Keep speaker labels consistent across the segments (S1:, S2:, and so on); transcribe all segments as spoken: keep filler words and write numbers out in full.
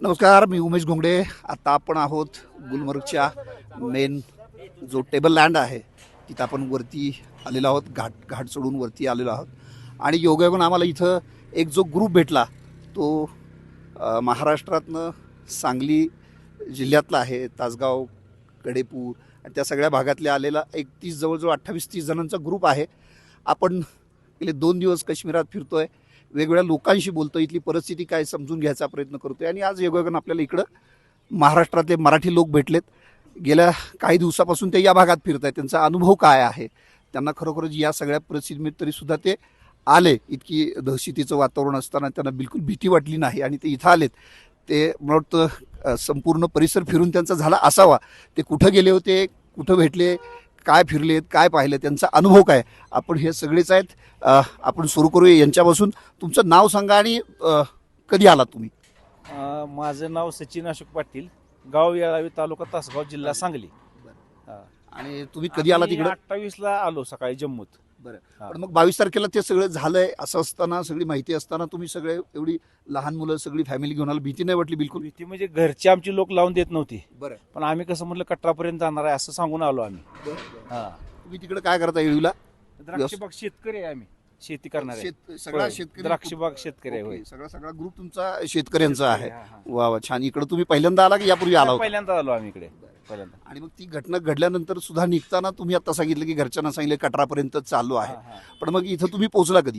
S1: नमस्कार, मी उमेश घोंगडे. आता आपण आहोत गुलमर्गच्या मेन जो टेबल लँड आहे तिथं आपण वरती आलेलो आहोत. घाट घाट चढून वरती आलेलो आहोत आणि योगायोगानं आम्हाला इथं एक जो ग्रुप भेटला तो अ, महाराष्ट्रातनं सांगली जिल्ह्यातला आहे. तासगाव, कडेपूर आणि त्या सगळ्या भागातले आलेला एक तीस जवळजवळ अठ्ठावीस तीस जणांचा ग्रुप आहे. आपण गेले दोन दिवस काश्मीरात फिरतोय, वेगवेगळ्या लोकांशी बोलतो, इथली परिस्थिती काय समजून घ्यायचा प्रयत्न करतोय आणि आज योगायोगानं आपल्याला इकडं महाराष्ट्रातले मराठी लोक भेटलेत. गेल्या काही दिवसापासून ते या भागात फिरत आहेत. त्यांचा अनुभव काय आहे, त्यांना खरोखरच या सगळ्या परिस्थितीमध्ये तरीसुद्धा ते आले. इतकी दहशतीचं वातावरण असताना त्यांना बिलकुल भीती वाटली नाही आणि ते इथं आलेत. ते मला वाटतं संपूर्ण परिसर फिरून त्यांचा झाला असावा. ते कुठं गेले होते, कुठं भेटले, काय फिरलेत, काय पाहिलं, त्यांचा अनुभव काय, आपण हे सगळेच आहेत. अ, आपण सुरू करूया यांच्यापासून. तुमचं नाव सांगा आणि अ, कधी आलात तुम्ही?
S2: अ, माझं नाव सचिन अशोक पाटील, गाव येळावी, तालुका तासगाव, जिल्हा सांगली. हा.
S1: आणि तुम्ही कधी आला तिकडे?
S2: अठ्ठावीस ला आलो सकाळी जम्मूत.
S1: बरं.
S2: हा.
S1: पण मग बावीस तारखेला ते सगळं झालंय असं असताना, सगळी माहिती असताना तुम्ही सगळे एवढी लहान मुलं सगळी फॅमिली घेऊन आला, भीती नाही वाटली बिलकुल?
S2: भीती म्हणजे घरची आमची लोक लावून देत नव्हती,
S1: बरं.
S2: पण आम्ही कसं म्हटलं कटरापर्यंत जाणार आहे असं सांगून आलो आम्ही. हा.
S1: तुम्ही तिकडे काय करता येळीला?
S2: द्राक्षबाग शेतकरी आहे आम्ही, शेती करणार आहे.
S1: शेत सगळा
S2: होय.
S1: शेतकरी
S2: द्राक्षबाग शेतकरी आहे.
S1: ओके.
S2: होय.
S1: सगळा सगळा ग्रुप तुमचा शेतकऱ्यांचा आहे.
S2: हा, हा.
S1: वा वा, छान. इकडे तुम्ही पहिल्यांदा आला की यापूर्वी आला होता?
S2: पहिल्यांदा आलो आम्ही इकडे पहिल्यांदा.
S1: आणि मग ती घटना घडल्यानंतर सुद्धा निघताना तुम्ही आता सांगितलं की घरच्यांना सांगितलं कटरापर्यंत चालू आहे.
S2: हा, हा.
S1: पण मग इथं तुम्ही पोहोचला कधी?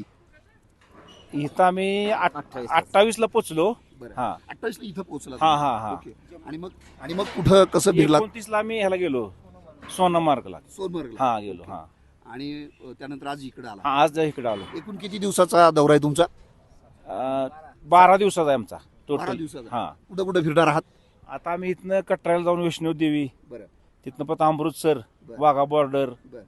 S2: इथं आम्ही अठ्ठावीस ला पोचलो. हा.
S1: अठ्ठावीस इथं पोहोचला
S2: हा,
S1: तुम्ही.
S2: हा, हा.
S1: ओके. आणि मग आणि मग कुठं कसं फिरला?
S2: एकोणतीस ला आम्ही ह्याला गेलो सोनमार्गला.
S1: सोनमर्गला.
S2: हा गेलो. हा.
S1: आणि अ, त्यानंतर आज इकडे आला.
S2: हा, आज इकडे आलो.
S1: एकूण किती दिवसाचा दौरा आहे तुमचा?
S2: अं, बारा दिवसाचा आहे आमचा
S1: बारा
S2: टोटल.
S1: दिवसाचा.
S2: हा.
S1: कुठं कुठं फिरणार आहात?
S2: आता आम्ही इथनं कटराला जाऊन वैष्णव देवी,
S1: बरं
S2: तिथनं परत अमृतसर,
S1: बरं.
S2: वाघा बॉर्डर,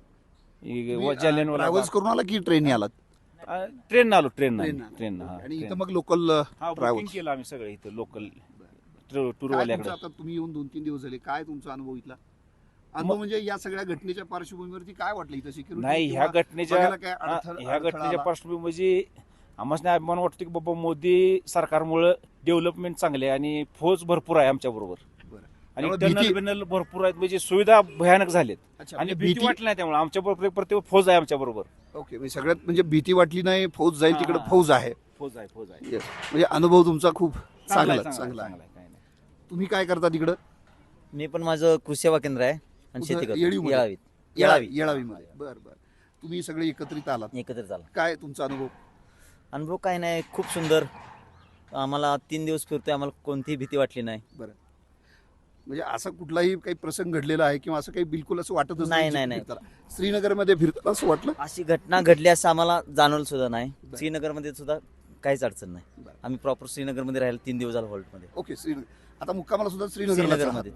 S1: बरं.
S2: जालियनवाला
S1: ट्रॅव्हल्स करून आला की ट्रेनने आलात?
S2: ट्रेन आलो. ट्रेन
S1: ट्रेन
S2: ट्रेन
S1: आणि इथं मग लोकल
S2: बुकिंग
S1: ट्रॅव्हल्स.
S2: केलं आम्ही सगळं इथं लोकल
S1: काय तुमचं
S2: टूरवाल्याकडे.
S1: आता तुम्ही येऊन दोन तीन दिवस झाले, काय तुमचा अनुभव इथला? अनुभव म्हणजे या सगळ्या घटनेच्या पार्श्वभूमीवरती काय वाटलं इथं? सिक्युरिटी
S2: नाही, ह्या घटनेच्या
S1: काय
S2: हा,
S1: अडथळ-
S2: ह्या
S1: अडथळा
S2: घटनेच्या
S1: आला?
S2: पार्श्वभूमी म्हणजे आम्हाला अभिमान वाटतो की बाबा मोदी सरकारमुळे डेव्हलपमेंट चांगले आहे आणि फौज भरपूर आहे आमच्या बरोबर
S1: बरं.
S2: आणि
S1: त्यामुळे
S2: टनल
S1: भीती-
S2: बिनल भरपूर आहेत, म्हणजे सुविधा भयानक झालेत
S1: अच्छा,
S2: आणि
S1: म्हणजे
S2: भीती
S1: भीती
S2: वाटली नाही. त्यामुळे आमच्या बरोबर प्रत्येक फौज आहे आमच्या बरोबर.
S1: ओके. म्हणजे सगळ्यात म्हणजे भीती वाटली नाही, फौज जाईल
S2: हा,
S1: तिकडे
S2: हा.
S1: फौज आहे.
S2: फौज आहे फौज आहे
S1: Yes. म्हणजे अनुभव तुमचा खूप चांगला
S2: आहे,
S1: चांगला आहे.
S2: चांगला आहे, काही नाही.
S1: तुम्ही काय करता तिकडं?
S3: मी पण माझं कृषी सेवा केंद्र आहे आणि
S1: कुठं?
S3: शेती करतो.
S1: येळीमध्ये?
S3: येळावीत.
S1: येळावी
S3: येळावी
S1: येळावीमध्ये. बरं बरं. तुम्ही सगळे एकत्रित आलात,
S3: एकत्र झाला.
S1: काय तुमचा अनुभव?
S3: अनुभव काय नाही, खूप सुंदर. आम्हाला तीन दिवस फिरतोय, आम्हाला कोणतीही भीती वाटली नाही.
S1: बरं. म्हणजे असा कुठलाही काही प्रसंग घडलेला आहे किंवा असं काही बिलकुल असं वाटतच
S3: नाही,
S1: जिथे
S3: नाही, नाही.
S1: फिरताना? श्रीनगरमध्ये फिरताना असं वाटलं?
S3: अशी घटना घडली असं आम्हाला जाणवलं सुद्धा नाही.
S1: बरं.
S3: श्रीनगरमध्ये सुद्धा काहीच अडचण नाही.
S1: बरं.
S3: आम्ही प्रॉपर श्रीनगरमध्ये राहिलो तीन दिवस झाला हॉल्टमध्ये.
S1: ओके. श्रीनगर. आता मुक्कामाला सुद्धा श्रीनगरला
S3: श्रीनगरमध्ये.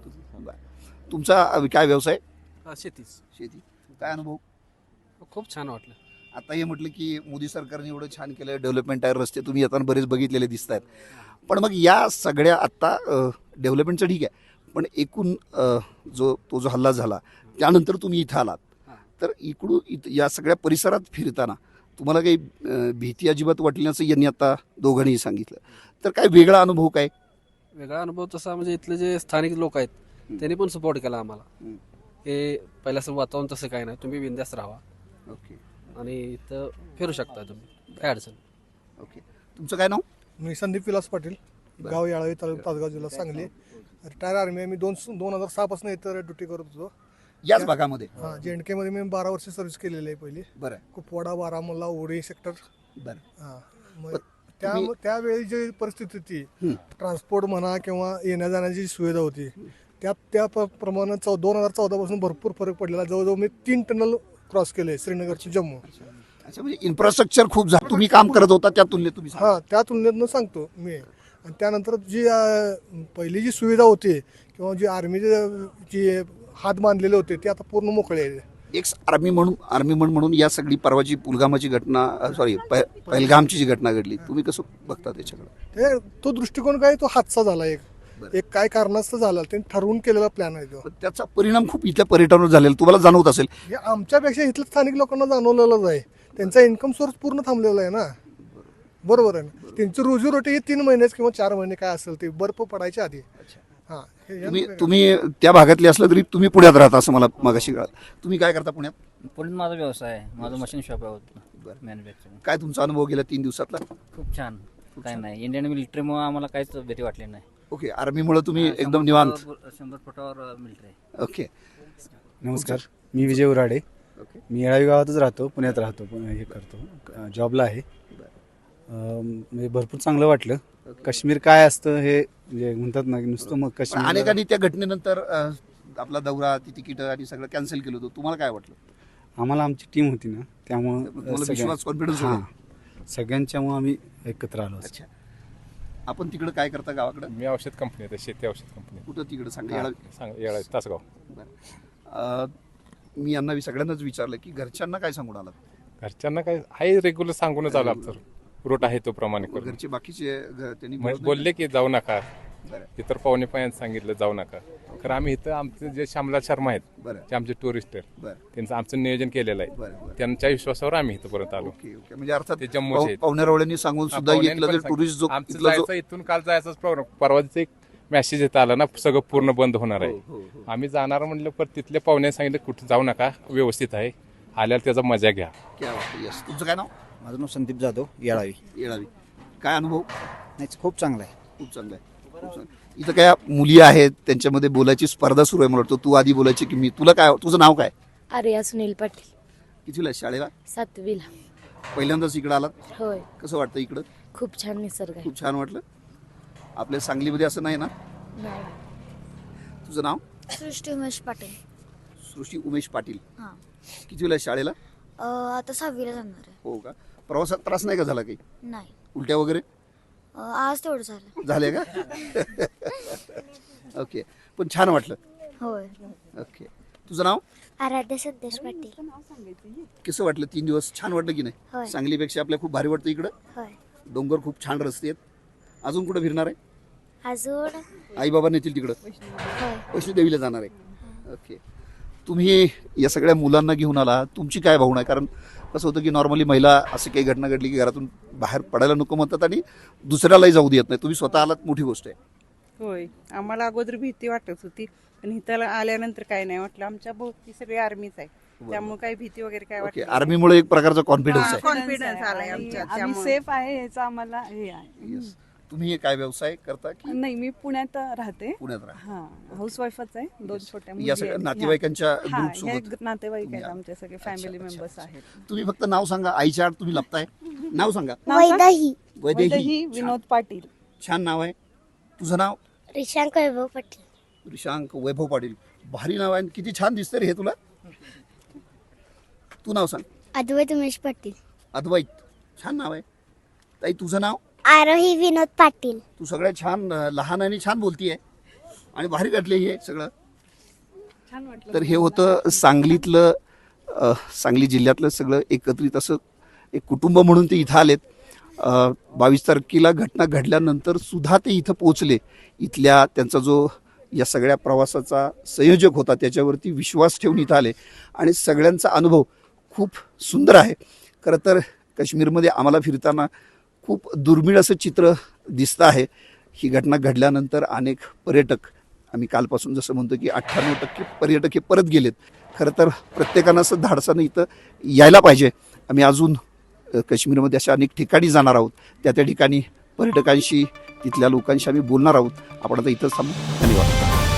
S1: तुमचा अ, काय व्यवसाय?
S4: हा, शेतीच.
S1: शेती. काय अनुभव?
S4: खूप छान वाटलं.
S1: आता हे म्हटलं की मोदी सरकारने एवढं छान केलं, डेव्हलपमेंट आहे, रस्ते तुम्ही येताना बरेच बघितलेले दिसत आहेत. पण मग या सगळ्या आत्ता डेव्हलपमेंटचं ठीक आहे, पण एकूण अ, जो तो जो हल्ला झाला त्यानंतर तुम्ही इथं आलात, तर इकडून इथं या सगळ्या परिसरात फिरताना तुम्हाला काही अ, भीती अजिबात वाटली नसं यांनी आता दोघांनीही सांगितलं, तर काय वेगळा अनुभव काय?
S4: वेगळा अनुभव तसा म्हणजे इथले जे स्थानिक लोक आहेत त्यांनी पण सपोर्ट केला आम्हाला.
S1: हम्म.
S4: हे पहिल्याचं वातावरण तसं काय नाही, तुम्ही बिंदास राहा
S1: ओके
S4: आणि इथं फिरू शकता तुम्ही, काय अडचण.
S1: ओके. तुमचं काय नाव?
S5: मी संदीप विलास पाटील, गाव याळावी, तालुका तासगाव, जिल्हा सांगली. रिटायर आर्मी आहे मी. दोन दोन हजार सहा पासून इथं ड्युटी करत होतो.
S1: याच भागामध्ये?
S5: हां, जे एन केमध्ये मी बारा वर्ष सर्व्हिस केलेली आहे पहिली.
S1: बरं
S5: कुपवाडा, बारामुल्ला, उरी सेक्टर.
S1: बरं.
S5: हां, मग
S1: पण
S5: त्या
S1: तुम्ही-
S5: त्यावेळी जी परिस्थिती होती,
S1: हं.
S5: ट्रान्सपोर्ट म्हणा किंवा येण्या जाण्याची सुविधा होती, त्या त्या प- प्रमाणे चौ दोन हजार चौदा पासून भरपूर फरक पडलेला. जवळजवळ मी तीन टनल क्रॉस केले श्रीनगर टू जम्मू.
S1: अच्छा, म्हणजे इन्फ्रास्ट्रक्चर खूप झालं, तुम्ही काम करत होता त्या तुलनेत तुम्ही सांगा.
S5: हां, त्या तुलनेतनं सांगतो मी. आणि त्यानंतर जी अं, पहिली जी सुविधा होती किंवा जी आर्मीचे जी हात बांधलेले होते ते आता पूर्ण मोकळे आहे.
S1: एक्स आर्मी म्हणून आर्मी म्हणून म्हणून या सगळी परवाची पुलगामाची घटना, सॉरी पहलगामची जी घटना घडली, तुम्ही कसं बघता त्याच्याकडे?
S5: ते तो दृष्टिकोन काय, तो हादसा झाला एक
S1: बरं.
S5: एक काय कारणास्तव झाला, त्यांनी ठरवून केलेला प्लॅन आहे तो.
S1: पण त्याचा परिणाम खूप इथल्या पर्यटनावर झालेला तुम्हाला जाणवत असेल.
S5: हे आमच्यापेक्षा इथल्या स्थानिक लोकांना जाणवलेलंच आहे. त्यांचा इन्कम सोर्स पूर्ण थांबलेला आहे ना. बरोबर आहे ना. त्यांची रोजीरोटी ही तीन महिन्याच किंवा चार महिने काय असेल ते बर्फ पडायच्या आधी. हां हे
S1: तुम्ही तुम्ही त्या भागातले असलं तरी तुम्ही पुण्यात राहता असं मला मागाशी कळलं. तुम्ही काय करता पुण्यात?
S6: पुण्यात माझा व्यवसाय आहे. माझं मशीन शॉप आहे
S1: बरं.
S6: मॅन्युफॅक्चरिंग.
S1: काय तुमचा अनुभव गेला तीन दिवसातला?
S6: खूप छान. काय नाही, इंडियन मिलिटरीमुळे आम्हाला काहीच भीती वाटली नाही.
S1: ओके, आर्मीमुळे तुम्ही
S6: हा,
S1: एकदम
S6: शंभर
S1: निवांत.
S6: फुटावर- शंभर फुटावर मिलिटरी आहे.
S1: ओके
S7: नमस्कार, मी विजय उराडे.
S1: ओके.
S7: मी येळावी गावातच राहतो, पुण्यात राहतो, पण हे करतो, जॉबला आहे. अं, म्हणजे भरपूर चांगलं वाटलं. काश्मीर काय असतं हे म्हणजे म्हणतात ना, की नुसतं मग
S1: पण
S7: काश्मीर.
S1: अनेकांनी त्या घटनेनंतर अ, आपला दौरा, ती तिकीट आणि सगळं कॅन्सल केलं होतं. तुम्हाला काय वाटलं?
S7: आम्हाला आमची टीम होती ना, त्यामुळं
S1: तुम्हाला
S7: सगळ्या-
S1: विश्वास, कॉन्फिडन्स
S7: हां,
S1: होता?
S7: सगळ्यांच्यामुळं आम्ही एकत्र आलो.
S1: अच्छा. आपण तिकडं काय करता गावाकडं?
S8: मी औषध कंपनी आहे, शेती औषध कंपनी.
S1: कुठं तिकडं सांगा.
S8: हा,
S1: याला-
S8: सांग येळा तासगाव.
S1: अ, मी यांना वि- सगळ्यांनाच विचारलं की घरच्यांना काय सांगून आलात?
S8: घरच्यांना काय आहे, रेग्युलर सांगूनच आलो आमचं रूट आहे तो प्रमाणे करून.
S1: घरचे बाकीचे घ- त्यांनी
S8: मग
S1: बोलत
S8: बोलले की जाऊ नका,
S1: बरं.
S8: इतर पाहुणे पायांनी सांगितलं जाऊ नका. कारण आम्ही इथं आमचे जे श्यामला शर्मा आहेत,
S1: बरं
S8: ते आमचे टुरिस्ट आहेत,
S1: बरं
S8: त्यांचं आमचं नियोजन केलेलं आहे.
S1: बरं बरं.
S8: त्यांच्या विश्वासावर आम्ही इथपर्यंत आलो.
S1: ओके ओके, म्हणजे अर्थात
S8: ते जम्मूचे आहेत.
S1: पाहुण्यारावळ्यांनी सांगून
S8: हा,
S1: सुद्धा
S8: पाहुण्यांनी
S1: इथलं
S8: पण
S1: जो टुरिस्ट जो
S8: आमचं
S1: इथला जो
S8: जायचं इथून काल जायचाच प्रॉब्लेम. परवाच एक मेसेज येत आला ना, सगळं पूर्ण बंद होणार आहे.
S1: हो, हो, हो.
S8: आम्ही जाणार म्हणलं, पण तिथल्या पाहुण्याने सांगितलं कुठं जाऊ नका, व्यवस्थित आहे, आल्यावर त्याचा मजा घ्या.
S1: क्या बात आहे. यस. तुमचं काय नाव?
S3: माझं नाव संदीप जाधव, येळावी.
S1: येळावी. काय अनुभव?
S3: नाही, खूप चांगलं आहे.
S1: खूप चांगलं आहे. खूप चांगलं. इथं काय मुली आहेत, त्यांच्यामध्ये बोलायची स्पर्धा सुरू आहे. मला वाटतं तू आधी बोलायची की मी. तुला काय, तुझं नाव काय?
S9: आर्या सुनील पाटील.
S1: कितीला आहे शाळेला?
S9: सातवीला.
S1: पहिल्यांदाच इकडं आलात?
S9: होय,
S1: कसं वाटतं इकडं?
S9: खूप छान निसर्ग आहे.
S1: खूप छान वाटलं. आपल्या सांगलीमध्ये असं नाही ना?
S9: नाही.
S1: तुझं नाव?
S10: सृष्टी उमेश पाटील.
S1: सृष्टी उमेश पाटील.
S10: हां.
S1: कितीला आहे शाळेला?
S10: अ, आता सहावीला जाणार आहे.
S1: हो का? प्रवासात त्रास नाही का झाला काही?
S10: नाही.
S1: उलट्या वगैरे
S10: अ, आज तेवढं झालं.
S1: झाले का? ओके, पण छान वाटलं.
S10: होय.
S1: ओके, तुझं नाव?
S10: आराध्य संदेश पाटील.
S1: कसं वाटलं? तीन दिवस छान वाटलं की नाही?
S10: होय.
S1: सांगलीपेक्षा आपल्या खूप भारी वाटतं इकडं.
S10: होय.
S1: डोंगर खूप छान, रस्ते आहेत. अजून कुठं फिरणार आहे?
S10: अजून
S1: आई बाबा नेतील तिकडं?
S10: होय.
S1: वैष्णोदेवीला जाणार आहे. ओके, तुम्ही या सगळ्या मुलांना घेऊन आला, तुमची काय भावना आहे? कारण कसं होतं की नॉर्मली महिला अशी काही घटना घडली की घरातून बाहेर पडायला नको म्हणतात आणि दुसऱ्यालाही जाऊ देत नाही. तुम्ही स्वतः आलात, मोठी गोष्ट आहे.
S11: होय, आम्हाला अगोदर भीती वाटत होती, पण इथं आल्यानंतर काय नाही वाटलं. आमच्या भोवती सगळी आर्मीच आहे, त्यामुळे काही भीती वगैरे काय
S1: ओके,
S11: वाटत
S1: आर्मीमुळे एक प्रकारचा कॉन्फिडन्स आहे.
S11: कॉन्फिडन्स आलाय आमच्या,
S12: आम्ही
S11: त्यामुळे.
S12: सेफ आहे याचा आम्हाला हे आहे.
S1: Yes. तुम्ही हे काय व्यवसाय करता की
S12: नाही, मी पुण्यात राहते.
S1: पुण्यात राहा?
S12: हा, हाऊसवाईफच आहे. दोन छोट्या मुली
S1: या सगळ्या
S12: आहेत.
S1: नातेवाईकांच्या
S12: हा,
S1: ग्रुप
S12: हे
S1: सोबत
S12: नातेवाईक आहेत
S1: तुम्ही
S12: आमचे सगळे,
S1: अच्छा,
S12: फॅमिली
S1: अच्छा,
S12: मेंबर्स
S1: अच्छा.
S12: आहेत.
S1: तुम्ही फक्त नाव सांगा. आईच्या आड तुम्ही लपताय. नाव सांगा.
S12: नाव सांग?
S10: वैदाही.
S1: वैदेही.
S12: वैदेही विनोद पाटील.
S1: छान नाव आहे. तुझं नाव?
S10: रिशांक वैभव पाटील.
S1: रिशांक वैभव पाटील. भारी नाव आहे. किती छान दिसतं रे हे तुला. तू नाव सांग.
S10: अद्वैत उमेश पाटील.
S1: अद्वैत. छान नाव आहे. ताई तुझं नाव?
S10: आरोही विनोद पाटील.
S1: तू सगळ्या छान, अं, लहान आणि छान बोलतीये आणि भारी घडले हे सगळं.
S12: छान वाटलं.
S1: तर हे होतं सांगलीतलं, अं, सांगली जिल्ह्यातलं सगळं एकत्रित असं एक कुटुंब म्हणून ते इथं आलेत. बावीस तारखेला घटना घडल्यानंतर सुद्धा ते इथं पोचले. इथल्या त्यांचा जो या सगळ्या प्रवासाचा संयोजक होता त्याच्यावरती विश्वास ठेवून इथं आले आणि सगळ्यांचा अनुभव खूप सुंदर आहे. खरं तर काश्मीरमध्ये आम्हाला फिरताना खूप दुर्मिळ असं चित्र दिसतं आहे. ही घटना घडल्यानंतर अनेक पर्यटक, आम्ही कालपासून जसं म्हणतो की अठ्ठ्याण्णव टक्के पर्यटक हे परत गेलेत. खरं तर प्रत्येकानं असं धाडसानं इथं यायला पाहिजे. आम्ही अजून काश्मीरमध्ये अशा अनेक ठिकाणी जाणार आहोत. त्या त्या ठिकाणी पर्यटकांशी, तिथल्या लोकांशी आम्ही बोलणार आहोत. आपण आता इथंच थांबू. धन्यवाद.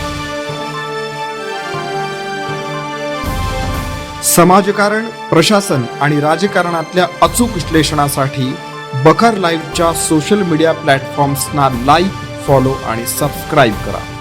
S13: समाजकारण, प्रशासन आणि राजकारणातल्या अचूक विश्लेषणासाठी बखर लाईव्हच्या सोशल मीडिया प्लॅटफॉर्म्सना लाईक, फॉलो आणि सबस्क्राईब करा.